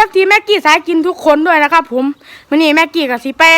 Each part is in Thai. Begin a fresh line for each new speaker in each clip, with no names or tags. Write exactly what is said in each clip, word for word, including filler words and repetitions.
อฟซีแม็กกี้สายกินทุกคนด้วยนะครับผมวันนี้แม็กกี้กับสีแป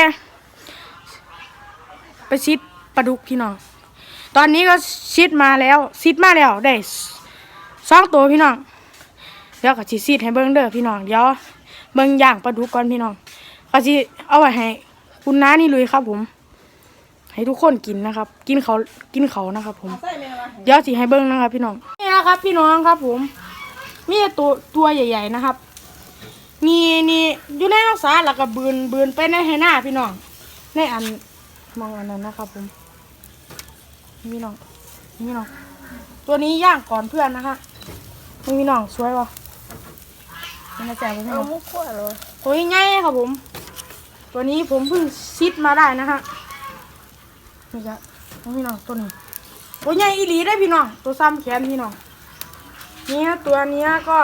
ไปซิดปลาดุกพี่น้องตอนนี้ก็ซิดมาแล้วซิดมาแล้วได้สองตัวพี่น้องเดี๋ยวก็สิซิดให้เบิ้งเด้อพี่น้องเดี๋ยวเบิ้งย่างปลาดุกก่อนพี่น้องก็สิเอาไว้ให้คุณน้านี่เลยครับผมให้ทุกคนกินนะครับกินเขากินเขานะครับผมเดี๋ยวสิให้เบิ้งนะครับพี่น้องนี่นะครับพี่น้องครับผมมีตัวตัวใหญ่ๆนะครับนี่นี่อยู่ในรักษาแล้วก็บืนบืนไปในให้หน้าพี่น้องในอันมองอันนั้นนะครับผมพี่น้องพี่น้องตัวนี้ย่างก่อนเพื่อนนะคะพี่น้องสวยวะมันจะแจกพี่น้องมุกขั้วเลยตัวใหญ่ครับผมตัวนี้ผมเพิ่งซิดมาได้นะฮะนี่จ้ะพี่น้องตัวนี้ตัวใหญ่อีหลีได้พี่น้องตัวซ้ำแขนพี่น้องนี่ฮะตัวนี้ก็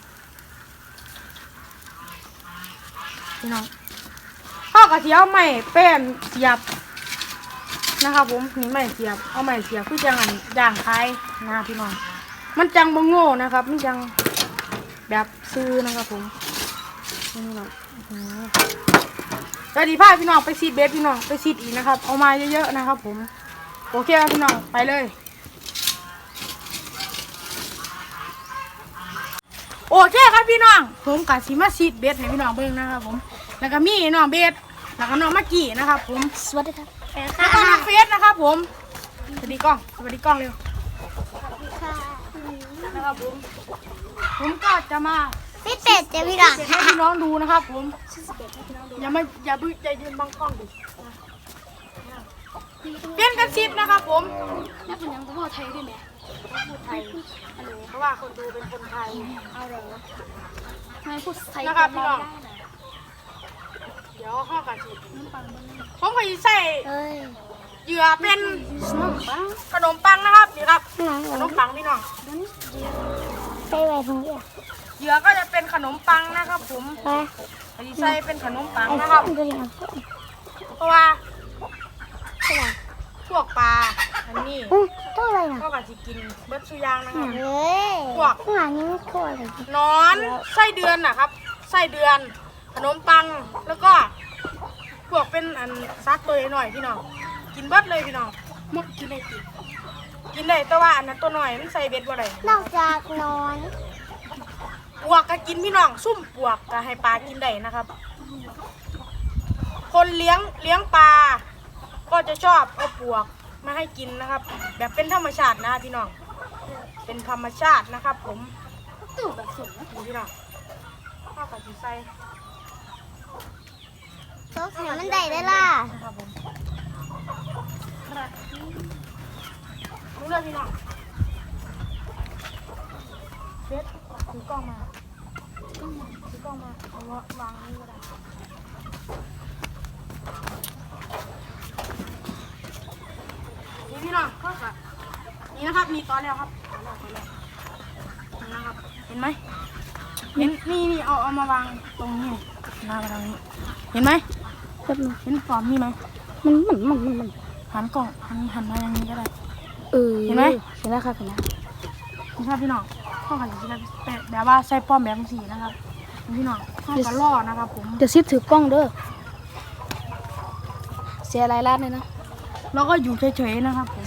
พี่น้องข้าวกระเทียมไม่แป้นเสียบนะครับผมนี่ไม่เสียบเอาไม่เสียบคือจังอันย่างไทยนะพี่น้องมันจังบงโง่นะครับมันจังแบบซื้อนะครับผมนี่เราสวัสดีพ่อพี่น้องไปซีดเบสพี่น้องไปซีดอีกนะครับเอามาเยอะๆนะครับผมโอเคครับพี่น้องไปเลยโอเคครับพี่น้องผมกับซีมาซีดเบสให้พี่น้องเบิ่งนะครับผมแล้วก็มีน้องเบสแล้วก็น้องมักกี้นะครับผม
สวัสดีครับ
แล้วก็น้องเฟสนะครับผมสวัสดีกล้องสวัสดีกล้องเร็วนะครับผมผมก็จะมา
พี่เป็ดเจ้าพี่น้อง
ให้พี่น้องดูนะครับผมอย่ามาอย่าบึ้งใจยืนบังกล้องดิเปลี่ยนกันซิปนะครับผม
แล้วเป็นยังต้องพูดไทยด้วยไหม
พูดไทยเพราะว่าคนดูเป็นคนไทย
เอาเหรอไม่พูดไทย
นะครับพี่น้องเดี๋ยวข้อกันสิผมเคยใส่เหยื่อเป็นขนมปังนะครับนี่ครับขนมปังพี่น้อง
ใส่ไว้ตรงนี้
เหยื่อก็จะเป็นขนมปังนะครับผมใส่เป็นขนมปังนะครับเพราะว่าพวกปลาอันนี้
ตัวอะไรนะ
ก็กะจะกินเบิร์ดสุยางนะครับ
พวกข้างหลังนี้ไม่ทั่วเลย
นอนไส้เดือนนะครับไส้เดือนขนมปังแล้วก็พวกเป็นอันซักตัวหน่อยพี่น้องกินเบิร์ดเลยพี่น้องมดกินได้กินกินได้แต่ว่าอันนั้นตัวหน่อยมันใส่เบ็ดบ่ได้
นอกจากนอน
ปวกก็กินพี่น้องซุ่มปวกก็ให้ปลากินได้นะครับคนเลี้ยงเลี้ยงปลาก็จะชอบเอาปวกมาให้กินนะครับแบบเป็นธรรมชาตินะพี่น้องเป็นธรรมชาตินะครับผมตู่แบบสุดนะพี่น้องข้าวกับจีไซ
โต๊ะเสียมันได้ได้ล่ะ
ครับผมรู้เลยพี่น้องเฟสถือกล้องมาถือกล้องมาเอาวางนี่ก็ได้นี่พี่น้องก็ค่ะนี่นะครับมีตอนแล้วครับนะครับเห็นไหมเห็นนี่นี่เอาเอามาวางตรงนี้หน้ามาตรงนี้เห็นไหมเห็นฟอร์มนี่ไหม
มันมันมันมันมัน
หันกล่องหันหันมาอย่างนี้ก็ได้
เออ
เห็นไหม
เห็นแล้วครับเห็นแล้ว
นี่ครับพี่น้องข้าวไข่สีแบบแบบว่าใส่ป้อมแบบสีนะครับพี่น้องข้าวกระล่อนะครับผม
เดี๋ยวซิปถือกล้องเด้อเสียรายลัดเลยนะ
แล้วก็อยู่เฉยๆนะครับผม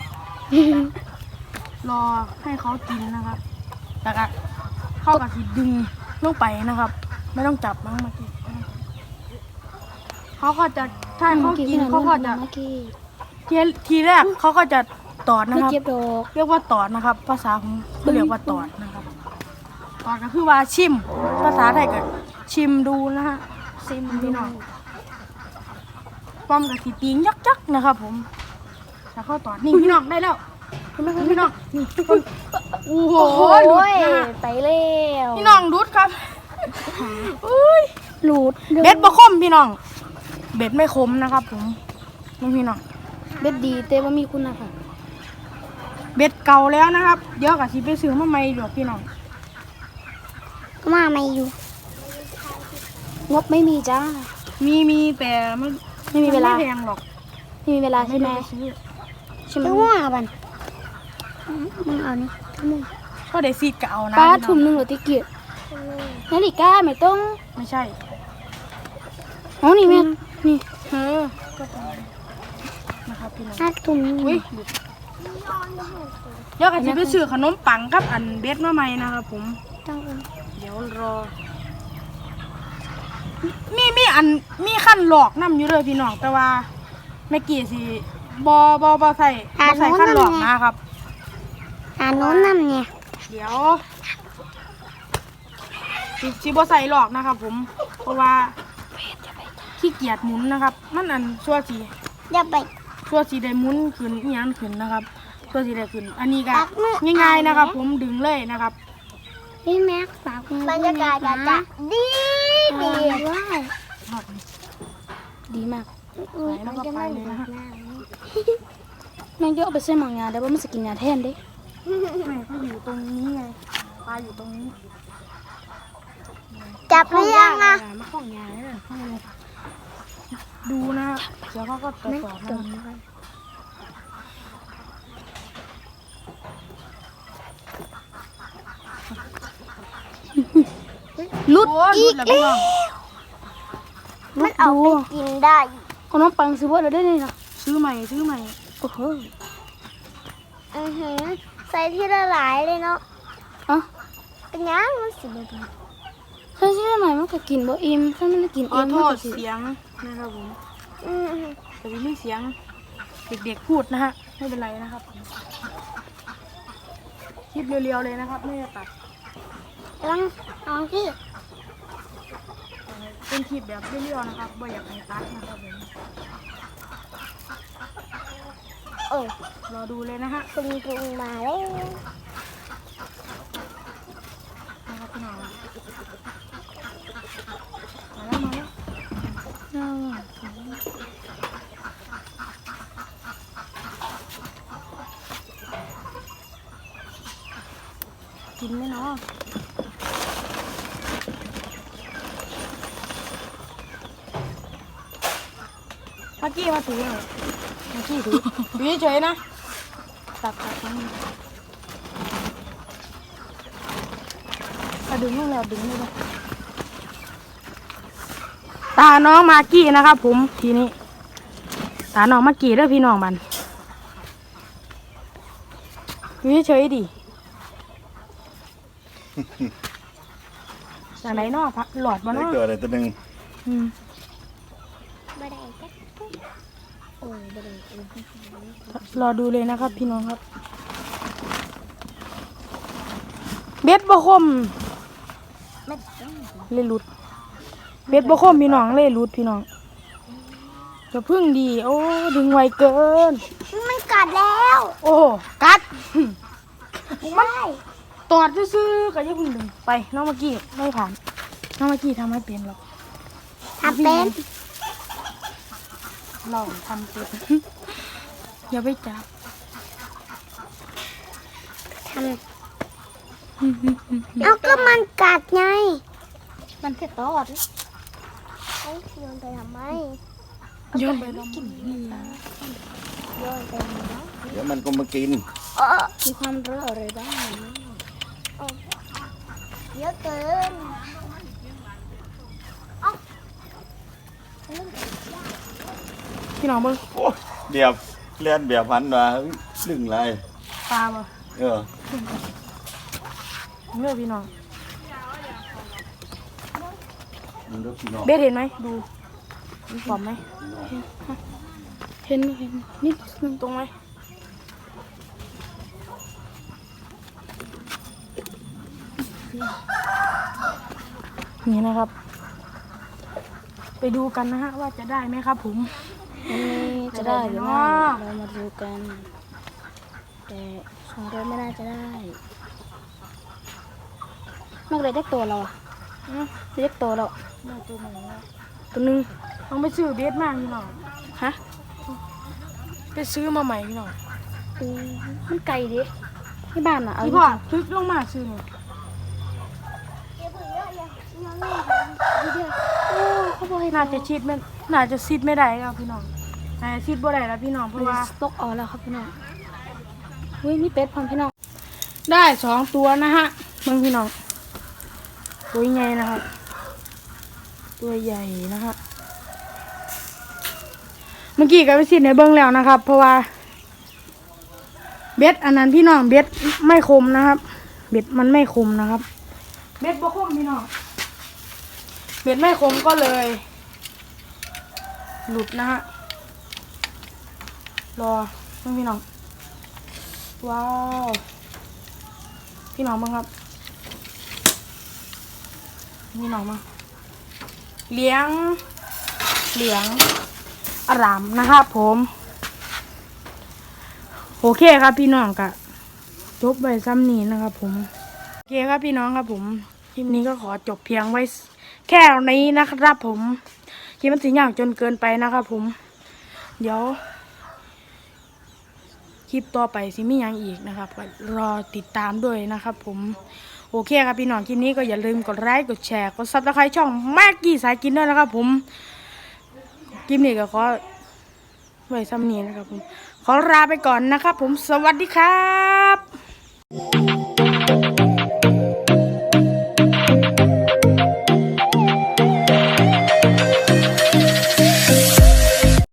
รอให้เขากินนะครับแต่ก็เข้ากับสีดึงลงไปนะครับไม่ต้องจับมั้งเมื่อกี้เขาก็จะถ้าเขากินเขาก็จะทีทีแรกเขาก็จะตอดนะครับเรียกว่าตอดนะครับภาษาของเขาเรียกว่าตอดนะครับตอดก็คือว่าชิมภาษาไทยก็ชิมดูนะฮะชิมพี่น้องป้อมกับสีตีนยักๆนะครับผมแล้วเข้าตอดนี่พี่น้องได้แล้วพี่น้องนี่โอ้โหหลุด
ไปแล้ว
พี่น้องหลุดครับอุ้ย
หลุด
เบ็ดบะคมพี่น้องเบ็ดไม่คมนะครับผมนี่พี่น้อง
เบ็ดดีแต่ว่ามีคุณนะคะ
เบ็ดเก่าแล้วนะครับเดี๋ยวกับชีไปซื้อมาใหม่เดี๋ยวพี่น้อง
มาไม่อยู่งบไม่มีจ้า
มีมีแต่ไม่
ไม่มีเวลา
ไม่แพงหรอก
ไม่มีเวลาใช่ไหมใช่ไหมว่าบันมึงเอานี่มึง
ก็ได้ซีดเก่านะ
ป้าถุ่มหนึ่งหรือติเกียรนาฬิกาไม่ต้อง
ไม่ใช่
อ๋อนี่แม่นี่
เออก็ตรงนี้นะครับพี่น้อง
อาตุ่ม
อุ้ยเดี๋ยวกันจะไปซื้อขนมปังกับอันเบ็ดมาใหม่นะครับผม
ต้อง
เดี๋ยวรอ มีมีอันมีขั้นหลอกน้ำอยู่เลยพี่น้องแต่ว่าแม่กี่สิบอบอบอใส่บอใส่ขั้นหลอกนะครับ
อ่านโน้นนั่นเนี่ย
เดี๋ยวสิสิบอใส่หลอกนะครับผมเพราะว่าขี้เกียจหมุนนะครับ มันอันชัวสี
อย่าไป
ชัวสีได้หมุนขึ้นอีหยังขึ้นนะครับชัวสีได้ขึ้น อันนี้ก็
ปักมือ
ง่ายๆนะครับ ผมดึงเลยนะครับ
พี่แม็กฝากมือบรรยากาศจะดีดีว้าวดีมาก
ไหนแล้วก็ไปเลยนะฮะ
น้องเยอะไปซื้อหมองยาได้ว่ามันจะกินยาแทนดิ
แม่เขาอยู่ตรงนี้ไงปลาอยู่ตรงนี้
จับหรือยังอ่ะ
มาข้องยาเนี่ยดูนะเดี๋ยวเขาก็ตรวจสอบนะ
ลุด
โอ้ย
อีก
หลุดแล้วพี่น้อง
มันเอาไปกินได้ขนมปังซื้อว่าเราได้เลยนะ
ซื้อใหม่ซื้อใหม่
โอ้โหอือหือใส่ที่ละหลายเลยเนาะอ่ะเป็นยังมันสิบเอ็ดใส่ที่ละหลายมันก็กินบ่อิ่มถ้ามันไม่กิน
ขอ
อิ่ม
โท
มัน
ษ
ก็สิ
เสียงนะครับผม
อือหือ
แต่ไม่มีเสียงเด็กๆพูดนะฮะไม่เป็นไรนะครับคลิปเรียวๆเลยนะครับไม่ได้ตัด
ลองลองที่
เป็นคลิปแบบเรียวๆนะครับไม่อยากให้ตัดนะครับผม
เออ
รอดูเลยนะฮะ
ปรุงปรุงมาแล้ว
นะครับพี่น้องมาแล้วมาแล้วกินไหมเนาะเมื่อกี้มาถือเลยเมื่อกี้ถือถือเฉยๆนะตักตักนี่เอาดึงลงแล้วดึงเลยนะตาน้องมากกี้นะครับผมทีนี้ตาน้องมากกี้เด้อพี่น้องมันถือเฉยๆดิจากไหนเนาะพะหลอดมา
ได้
เนาะ
เกิดอะไรตัวหนึ่ง
อืม
บ่ได้จักโอ้ยบ่ได้
รอดูเลยนะครับพี่น้องครับ เบ็ดบ่คม
ไม่ต้อง
เลยหลุด เบ็ดบ่คมพี่น้องเลยหลุดพี่น้องจะพึ่งดี โอ้ดึงไวเกิน
มันกัดแล้ว
โอ้กัด
ไม่ได้
ตอดซื่อๆก็อยังพึ่งดึงไปน้องเมื่อกี้ไม่ผ่านน้องเมื่อกี้ทำไม่เป็นหรอก
ทำเป็น
เราทำเป็น อย่าไปจับ
ทำเอาก็มันกัดไง มันแค่ตอดเฮ้ยโยนไปทำไม
โยนไปลงกินนี่
โยนไปทำไม
เดี๋ยวมันก็มากิน
เออมีความรู้อะไรบ้างเออเยอะเกิน
พี่น้องเบิ่ง
โอ้เดียบเลียนเบียบพันมาลึงไร
ปลาบ่
เออ
เนื้อพี่น้อง
มันดูพี่น้อง
เบสเห็นไหมดูมีปอมไหม
เห็นเห็นนิดนึง
ตรงไหมนี่นะครับ ไปดูกันนะฮะว่าจะได้ไหมครับผม
วันนี้จะได้หรือไม่เรามาดูกัน แต่สองตัวไม่น่าจะได้นอกเลยได้ตัวเราอะ
อืม
เรียกตัวเรา
ได้ตัวหนึ่งแล้ว
ตัวหนึง
ต้องไปซื้อเบสมากพี่น้อง
ฮะ
ไปซื้อมาใหม่พี่น้อง
อืมมันไกลดิที่บ้านอะเอา
พี่พ่อทึกลงมาซื้อหน่อย
โอ้เขาบอกให้
น่าจะชิดไม่น่าจะซิดไม่ได้ครับพี่น้องน่าจะซิดบ่ได้แล้วพี่น้องเพ
มัน
ราะว่า
สต็อกออกแล้วครับพี่น้องเฮ้ยมีเป็ดพร้อมพี่น้อง
ได้สองตัวนะฮะมึงพี่น้องตัวใหญ่นะครับตัวใหญ่นะครับ เมื่อกี้ก็ไปสิในเบิ้งแล้วนะครับ เพราะว่าเบ็ดอันนั้นพี่น้องเบ็ดไม่คมนะครับ เบ็ดมันไม่คมนะครับ เบ็ดบ่คมพี่น้องเบ็ดไม่คมก็เลย หลุดนะฮะรอพี่น้องว้าวพี่น้องบ้างครับพี่น้องบ้างเลี้ยงเหลืองอารามนะครับผมโอเคครับพี่น้องกะจบไปซ้ำนี้นะครับผมโอเคครับพี่น้องครับผมคลิปนี้ก็ขอจบเพียงไว้แค่นี้นะครับผมคลิปมันสีอย่างจนเกินไปนะครับผมเดี๋ยวคลิปต่อไปสิมีอย่างอีกนะครับก็รอติดตามด้วยนะครับผมโอเคครับพี่น้องคลิปนี้ก็อย่าลืมกดไลค์กดแชร์กดซับสไครต์ช่องแม็กกี้สายกินด้วยนะครับผมคลิปนี้ก็ขอไว้ซ้ำนี้นะครับผมขอลาไปก่อนนะครับผมสวัสดีครับ